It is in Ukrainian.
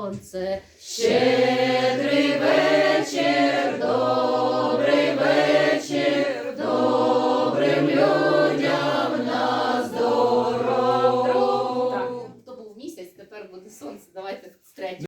сонце. Щедрий вечір, добрий вечір, добрим людям на здоров'я. Так, то був місяць, тепер буде сонце. Давайте з третього.